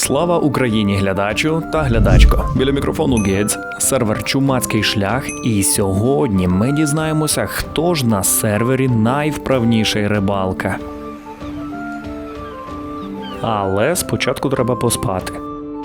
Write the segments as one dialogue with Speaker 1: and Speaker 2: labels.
Speaker 1: Слава Україні, глядачу та глядачко. Біля мікрофону Гець, сервер Чумацький шлях, і сьогодні ми дізнаємося, хто ж на сервері найвправніший рибалка. Але спочатку треба поспати.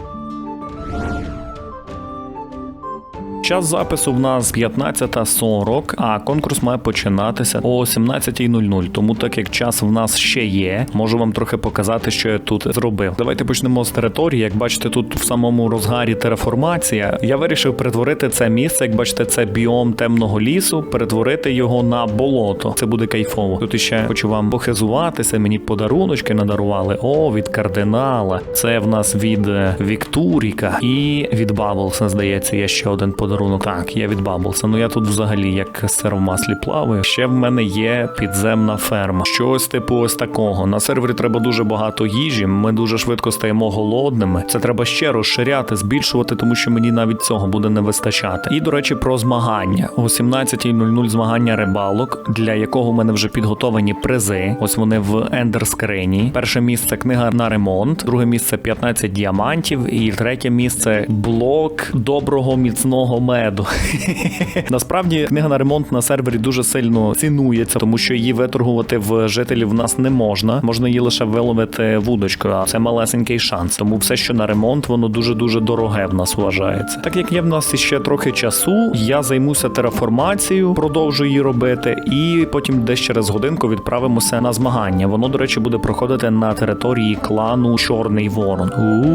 Speaker 1: Час запису в нас 15:40, а конкурс має починатися о 17:00. Тому так як час в нас ще є, можу вам трохи показати, що я тут зробив. Давайте почнемо з території. Як бачите, тут в самому розгарі тераформація. Я вирішив перетворити це місце, як бачите, це біом темного лісу, перетворити його на болото. Це буде кайфово. Тут іще хочу вам похизуватися, мені подаруночки надарували. О, від кардинала. Це в нас від Віктуріка і від Баблса, здається, є ще один подарунок. Так, я від Баблса. Ну я тут взагалі як сир в маслі плаваю. Ще в мене є підземна ферма. Щось типу ось такого. На сервері треба дуже багато їжі, ми дуже швидко стаємо голодними. Це треба ще розширяти, збільшувати, тому що мені навіть цього буде не вистачати. І, до речі, про змагання. О 17:00 змагання рибалок, для якого в мене вже підготовані призи. Ось вони в ендерскрині. Перше місце книга на ремонт, друге місце 15 діамантів і третє місце блок доброго міцного меду. Насправді, книга на ремонт на сервері дуже сильно цінується, тому що її виторгувати в жителів в нас не можна. Можна її лише виловити вудочкою, а це малесенький шанс. Тому все, що на ремонт, воно дуже-дуже дороге в нас вважається. Так як є в нас ще трохи часу, я займуся тераформацією, продовжу її робити, і потім десь через годинку відправимося на змагання. Воно, до речі, буде проходити на території клану Чорний Ворон.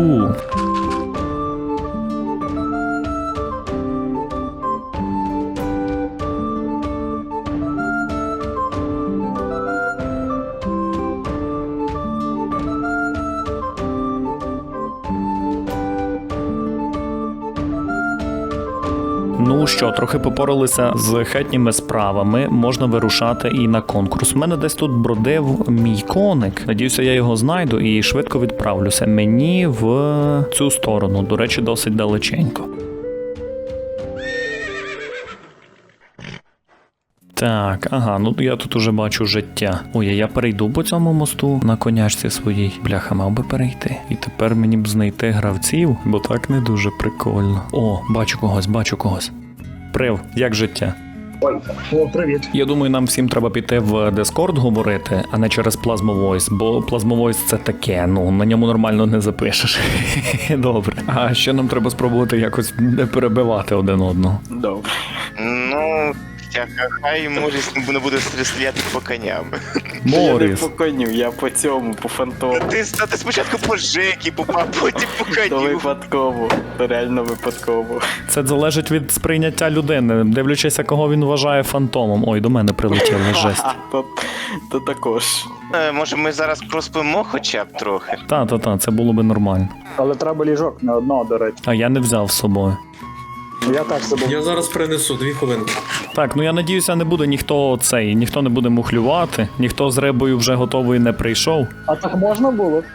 Speaker 1: Ну що, трохи попоралися з хатніми справами, можна вирушати і на конкурс. У мене десь тут бродив мій коник. Надіюся, я його знайду і швидко відправлюся. Мені в цю сторону, до речі, досить далеченько. Так, ага, ну я тут уже бачу життя. Ой, я перейду по цьому мосту на конячці своїй. Бляха, мав би перейти. І тепер мені б знайти гравців, бо так не дуже прикольно. О, бачу когось. Прив, як життя?
Speaker 2: Ой, о, привіт.
Speaker 1: Я думаю, нам всім треба піти в Discord говорити, а не через Plasma Voice, бо Plasma Voice це таке, ну, на ньому нормально не запишеш. Добре. А ще нам треба спробувати якось не перебивати один одного.
Speaker 2: Добре.
Speaker 3: Ну, хай Моріс не буде стріляти по коням.
Speaker 2: Я не
Speaker 1: Моріс.
Speaker 2: по коню, я по цьому, по фантому.
Speaker 3: Ти спочатку по Жекі попав, потім по
Speaker 2: То
Speaker 3: коню.
Speaker 2: випадково, то реально випадково.
Speaker 1: Це залежить від сприйняття людини, дивлячися, кого він вважає фантомом. Ой, до мене прилетіла жесть.
Speaker 2: То також.
Speaker 3: Може ми зараз проспимо хоча б трохи?
Speaker 1: Та, це було би нормально.
Speaker 4: Але треба ліжок не одного, до речі.
Speaker 1: А я не взяв з собою.
Speaker 4: Я так собі.
Speaker 5: Я зараз принесу 2 хвилинки.
Speaker 1: Так, ну я надіюся, не буде ніхто не буде мухлювати, ніхто з рибою вже готовий не прийшов.
Speaker 4: А так можна було?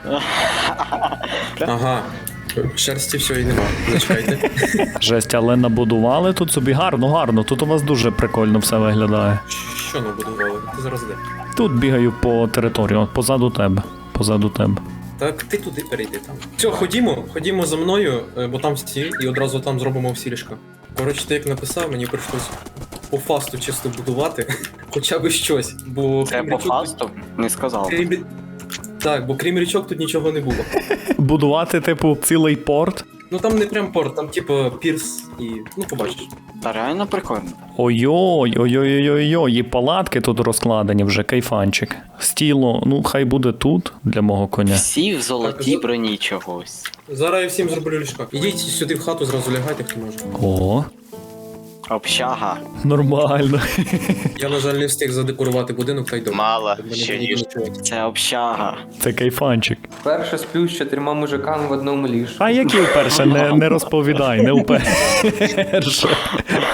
Speaker 5: Ага. Шерсті все і нема. Зачекайте.
Speaker 1: Жесть, але набудували тут собі гарно. Тут у вас дуже прикольно все виглядає.
Speaker 5: Що набудували? Ти зараз де?
Speaker 1: Тут бігаю по території, от позаду тебе.
Speaker 5: Так, ти туди перейди там. Все, ходімо за мною, бо там всі, і одразу там зробимо всі ліжка. Коротше, ти як написав, мені прийшлось по фасту чисто будувати, хоча б щось, бо...
Speaker 2: Це по фасту? Не сказав.
Speaker 5: Так, бо крім річок тут нічого не було.
Speaker 1: Будувати, типу, цілий порт.
Speaker 5: Ну там не прям порт, там типу пірс і... ну побачиш.
Speaker 2: Та реально прикольно.
Speaker 1: Ой-ой-ой, і палатки тут розкладені вже, кайфанчик. Стіло, ну хай буде тут, для мого коня.
Speaker 2: Всі в золотій
Speaker 5: Так,
Speaker 2: броні чогось.
Speaker 5: Зараз я всім зроблю ліжка. Ідіть сюди в хату, зразу лягайте, хто може.
Speaker 1: О,
Speaker 2: Общага.
Speaker 1: нормально.
Speaker 5: Я, на жаль, не встиг задекорувати будинок, та й добре.
Speaker 3: Мало,
Speaker 5: Щоб мене
Speaker 3: ще
Speaker 5: було
Speaker 3: ніж.
Speaker 5: нічого.
Speaker 2: Це общага.
Speaker 1: Це кайфанчик.
Speaker 6: Перше сплю з 4 мужиками в одному ліжку.
Speaker 1: А які вперше? Не розповідай, не вперше.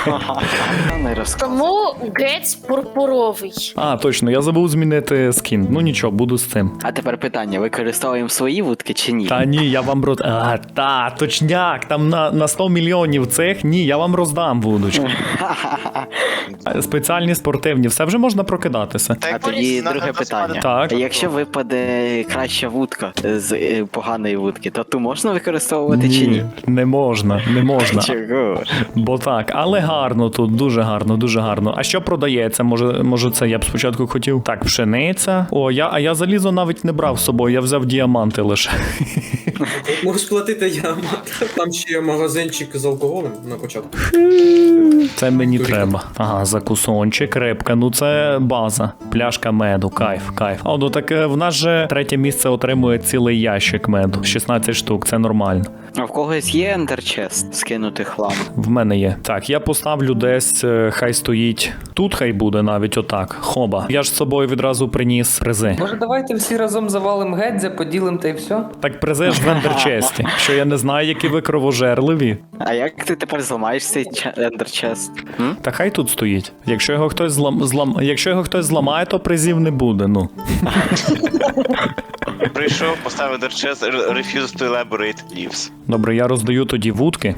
Speaker 2: Не розказуй.
Speaker 6: Тому гець пурпуровий.
Speaker 1: А, точно, я забув змінити скін. Ну нічого, буду з цим.
Speaker 2: А тепер питання, використовуємо свої вудки чи ні?
Speaker 1: Та ні, я вам точняк, там на 100 мільйонів цих, ні, я вам роздам вудочку. Спеціальні спортивні, все вже можна прокидатися.
Speaker 2: А тоді друге питання.
Speaker 1: Так.
Speaker 2: Якщо випаде краща вудка з поганої вудки, то ту можна використовувати чи ні?
Speaker 1: Не можна, не можна.
Speaker 2: Чого?
Speaker 1: Бо так, але гарно тут, дуже гарно, дуже гарно. А що продається? Може це я б спочатку хотів? Так, пшениця. А я залізо навіть не брав з собою, я взяв діаманти лише.
Speaker 5: Можеш платити ямат. Там ще є магазинчик з алкоголем на початку.
Speaker 1: Це мені треба. Ага, закусончик, рибка, ну це база. Пляшка меду, кайф. А ну так в нас же третє місце отримує цілий ящик меду. 16 штук, це нормально.
Speaker 2: А в когось є ендерчест скинути хлам?
Speaker 1: В мене є. Так, я поставлю десь, хай стоїть. Тут хай буде навіть отак. Хоба. Я ж з собою відразу приніс призи.
Speaker 7: Може, давайте всі разом завалим Гедзя, поділим та й все?
Speaker 1: Так призи ж в ендерчесті. Що я не знаю, які ви кровожерливі.
Speaker 2: А як ти тепер зламаєш цей ендерчест?
Speaker 1: Та хай тут стоїть. Якщо його хтось зламає, то призів не буде, ну.
Speaker 3: Прийшов, поставив дерчес, refuse to elaborate leaves.
Speaker 1: Добре, я роздаю тоді вудки.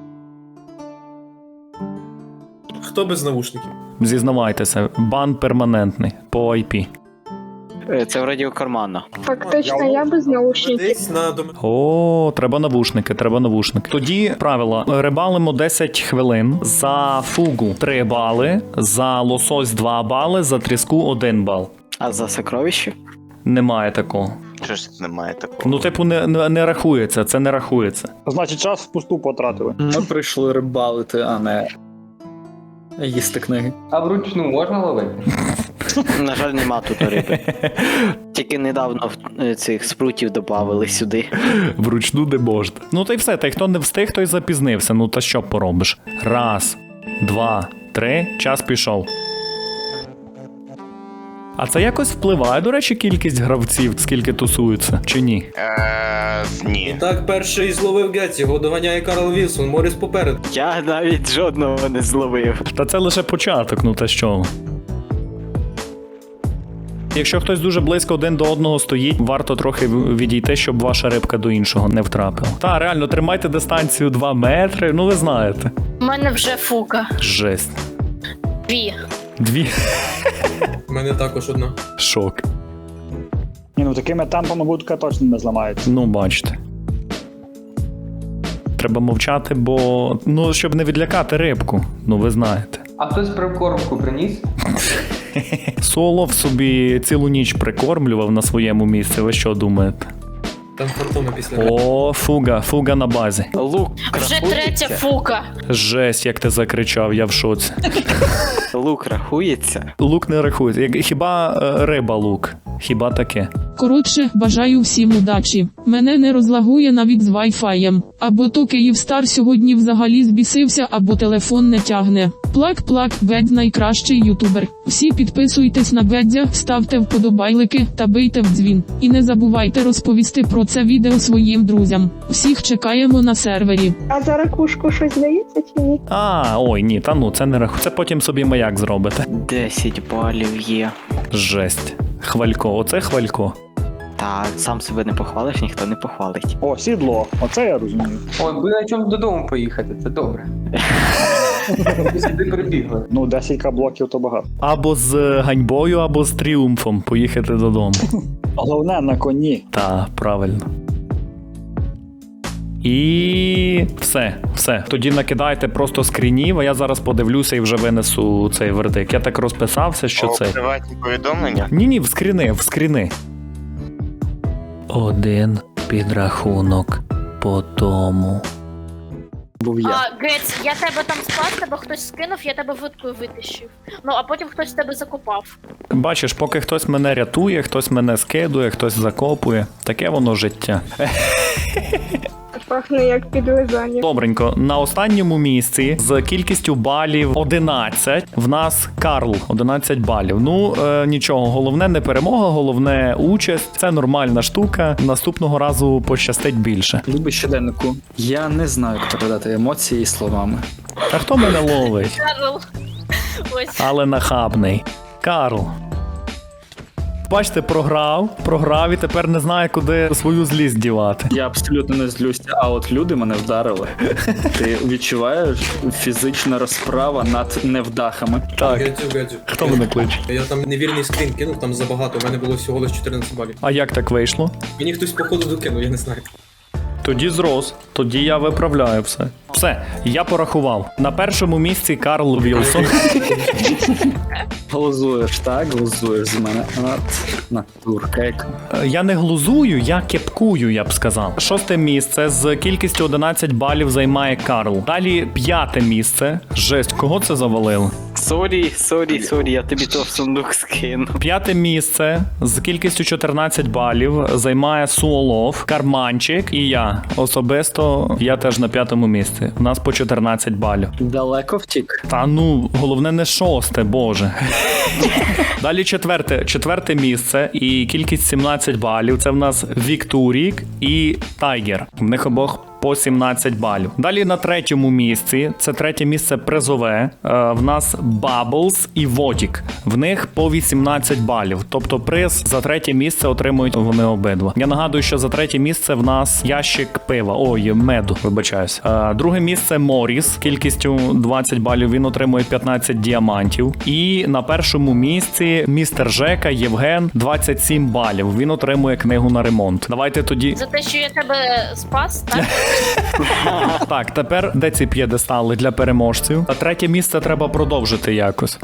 Speaker 5: Хто без навушників?
Speaker 1: Зізнавайтеся, бан перманентний по IP.
Speaker 2: Це вроді у кармана.
Speaker 8: Фактично, я без наушників.
Speaker 5: Десь на дом...
Speaker 1: О, треба навушники. Тоді правило. Рибалимо 10 хвилин, за фугу 3 бали, за лосось 2 бали, за тріску 1 бал.
Speaker 2: А за сокровище?
Speaker 1: Немає такого.
Speaker 3: Що ж тут немає такого?
Speaker 1: Ну, типу, не рахується, це не рахується.
Speaker 4: Значить, час впусту потратили.
Speaker 9: Ми прийшли рибалити, а не їсти книги.
Speaker 7: А вручну можна ловити?
Speaker 2: На жаль, нема тут риби. Тільки недавно цих спрутів додавали сюди.
Speaker 1: Вручну не можна. Ну та й все, та й хто не встиг, той запізнився. Ну та що поробиш? 1, 2, 3, час пішов. А це якось впливає, до речі, кількість гравців, скільки тусуються, чи ні?
Speaker 3: Ні.
Speaker 5: І так перший зловив Гетс, його доганяє Карл Вілсон, Моріс попереду.
Speaker 2: Я навіть жодного не зловив.
Speaker 1: Та це лише початок, ну та що? Якщо хтось дуже близько один до одного стоїть, варто трохи відійти, щоб ваша рибка до іншого не втрапила. Та, реально, тримайте дистанцію 2 метри, ну ви знаєте.
Speaker 6: У мене вже фука.
Speaker 1: Жесть. 2.
Speaker 5: У мене також одна.
Speaker 1: Шок.
Speaker 4: Ні, ну такими темпами будка точно не зламається.
Speaker 1: Ну, бачите. Треба мовчати, бо... Ну, щоб не відлякати рибку. Ну, ви знаєте.
Speaker 7: А хтось прикормку приніс?
Speaker 1: Солов собі цілу ніч прикормлював на своєму місці. Ви що думаєте?
Speaker 5: Там фортуна після.
Speaker 1: О, фуга на базі.
Speaker 2: Лук
Speaker 6: Вже
Speaker 2: рахується?
Speaker 6: третя фука.
Speaker 1: Жесть, як ти закричав, я в шоці.
Speaker 2: Лук рахується?
Speaker 1: Лук не рахується. Хіба риба лук? Хіба таке?
Speaker 10: Коротше, бажаю всім удачі. Мене не розлагує навіть з вайфаєм. Або то Київстар сьогодні взагалі збісився, або телефон не тягне. Плак-плак, Гедз найкращий ютубер. Всі підписуйтесь на Гедзя, ставте вподобайлики та бийте в дзвін. І не забувайте розповісти про це відео своїм друзям. Всіх чекаємо на сервері.
Speaker 8: А за ракушку щось дається чи ні?
Speaker 1: Ой, ні, та ну, це не рахується. Це потім собі маяк зробите.
Speaker 2: 10 балів є.
Speaker 1: Жесть. Хвалько, оце хвалько.
Speaker 2: Та сам себе не похвалиш, ніхто не похвалить.
Speaker 4: О, сідло. Оце я розумію.
Speaker 7: Ой, би на чому додому поїхати, це добре. Ви сюди прибігли.
Speaker 4: Ну, 10 блоків то багато.
Speaker 1: Або з ганьбою, або з тріумфом поїхати додому.
Speaker 4: Головне на коні.
Speaker 1: Та, правильно. І все. Тоді накидайте просто скрінів, а я зараз подивлюся і вже винесу цей вердикт. Я так розписався, що це.
Speaker 3: Приватні повідомлення?
Speaker 1: Ні, в скріни. 1 підрахунок по тому.
Speaker 9: Був я.
Speaker 6: Гець, я тебе там спас, тебе хтось скинув, я тебе вудкою витащив. Ну, а потім хтось тебе закопав.
Speaker 1: Бачиш, поки хтось мене рятує, хтось мене скидує, хтось закопує. Таке воно життя.
Speaker 8: Пахне як підлизання.
Speaker 1: Добренько, на останньому місці з кількістю балів 11 в нас Карл, 11 балів. Ну, нічого, головне не перемога, головне участь. Це нормальна штука. Наступного разу пощастить більше.
Speaker 9: Любий щоденнику. Я не знаю, як передати емоції словами.
Speaker 1: Та хто мене ловить?
Speaker 6: Карл. Ось.
Speaker 1: Але нахабний. Карл. Бачите, програв і тепер не знає, куди свою злість дівати.
Speaker 9: Я абсолютно не злюся, а от люди мене вдарили. Ти відчуваєш фізична розправа над невдахами.
Speaker 1: Так,
Speaker 5: Гадзю.
Speaker 1: хто мене кличе?
Speaker 5: Я там невірний скрін кинув, там забагато, у мене було всього лише 14 балів.
Speaker 1: А як так вийшло?
Speaker 5: Мені хтось походу докинув, я не знаю.
Speaker 1: Тоді зрос, тоді я виправляю все. Все, я порахував. На першому місці Карл Вілсон.
Speaker 9: Глузуєш, так? Глузуєш з мене. От, натурка як.
Speaker 1: Я не глузую, я кепкую, я б сказав. 6 місце з кількістю 11 балів займає Карл. Далі 5 місце. Жесть, кого це завалило?
Speaker 2: Сорі, я тобі то в сундук скину.
Speaker 1: 5 місце з кількістю 14 балів займає Суолов, Карманчик і я. Особисто я теж на 5-му місці. У нас по 14 балів.
Speaker 9: Далеко втік.
Speaker 1: Та ну, головне не 6, боже. Далі 4 місце і кількість 17 балів. Це в нас Віктурік і Тайгер. В них обох по 17 балів. Далі на 3-му місці, це 3-е місце призове, в нас Bubbles і Водік. В них по 18 балів. Тобто приз за 3-е місце отримують вони обидва. Я нагадую, що за 3-е місце в нас ящик пива. Ой, меду, вибачаюсь. 2-е місце Моріс, кількістю 20 балів, він отримує 15 діамантів. І на 1-му місці містер Жека Євген 27 балів. Він отримує книгу на ремонт. Давайте тоді.
Speaker 6: За те, що я тебе спас, так?
Speaker 1: Так, тепер де ці п'єдестали для переможців? А 3-е місце треба продовжити якось.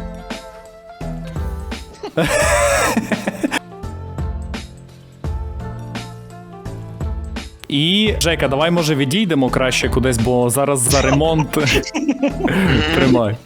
Speaker 1: І, Жека, давай, може, відійдемо краще кудись, бо зараз за ремонт. Тримай.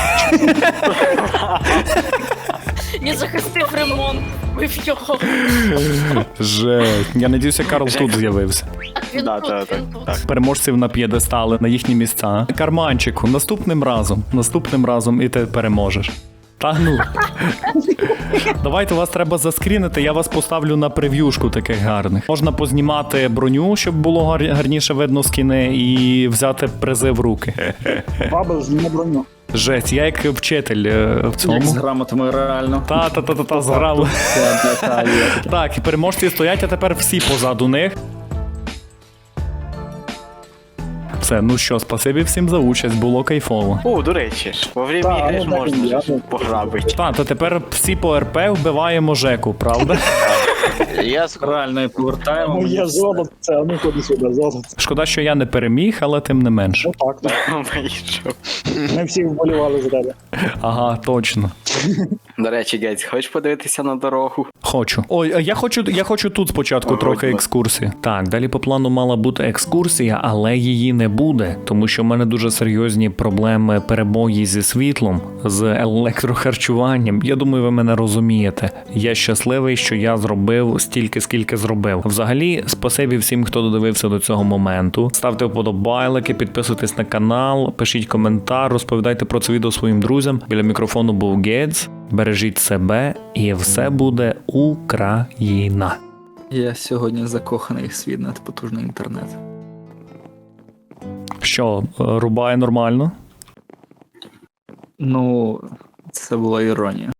Speaker 6: Я захистив ремонт, вбив його.
Speaker 1: Жесть. Я надіюся, Карл тут з'явився.
Speaker 6: Він
Speaker 2: Да,
Speaker 6: тут,
Speaker 2: да,
Speaker 6: він
Speaker 2: да,
Speaker 6: тут.
Speaker 2: так.
Speaker 1: Переможців на п'єдестали, на їхні місця. Карманчику, наступним разом і ти переможеш. Та ну. Давайте, вас треба заскрінити, я вас поставлю на прев'юшку таких гарних. Можна познімати броню, щоб було гарніше видно скіни, і взяти призи в руки.
Speaker 4: Бабл зніме броню.
Speaker 1: Жесть, я як вчитель в
Speaker 9: Як з
Speaker 1: цьому.
Speaker 9: грамотами реально.
Speaker 1: Та зграв.
Speaker 9: Це така є.
Speaker 1: Так, і переможці стоять, а тепер всі позаду них. Все, ну що, спасибі всім за участь, було кайфово.
Speaker 2: О, до речі, во время
Speaker 4: Так,
Speaker 2: ігри ж
Speaker 4: ну, так,
Speaker 2: можна
Speaker 4: я-
Speaker 2: ж пограбити.
Speaker 1: Та тепер всі по РП вбиваємо Жеку, правда?
Speaker 3: Я
Speaker 9: Реально і повертаємо.
Speaker 4: Моє
Speaker 9: мені все.
Speaker 4: золото, це ну ходи сюди, золото.
Speaker 1: Шкода, що я не переміг, але тим не менш.
Speaker 4: Ну так, так.
Speaker 2: Вийшов.
Speaker 4: Ми всі вболівали за тебе.
Speaker 1: Ага, точно.
Speaker 2: До речі, Гець, хочеш подивитися на дорогу?
Speaker 1: Хочу. Ой, а я хочу тут спочатку
Speaker 2: Ой,
Speaker 1: трохи
Speaker 2: ой.
Speaker 1: екскурсії. Так, далі по плану мала бути екскурсія, але її не буде, тому що в мене дуже серйозні проблеми перебої зі світлом, з електрохарчуванням. Я думаю, ви мене розумієте. Я щасливий, що я зробив стільки, скільки зробив. Взагалі, спасибі всім, хто додивився до цього моменту. Ставте вподобайлики, підписуйтесь на канал, пишіть коментар, розповідайте про це відео своїм друзям. Біля мікрофону був Гець. Бережіть себе, і все буде Україна.
Speaker 9: Я сьогодні закоханий в свій надпотужний інтернет.
Speaker 1: Що, рубає нормально?
Speaker 9: Ну, це була іронія.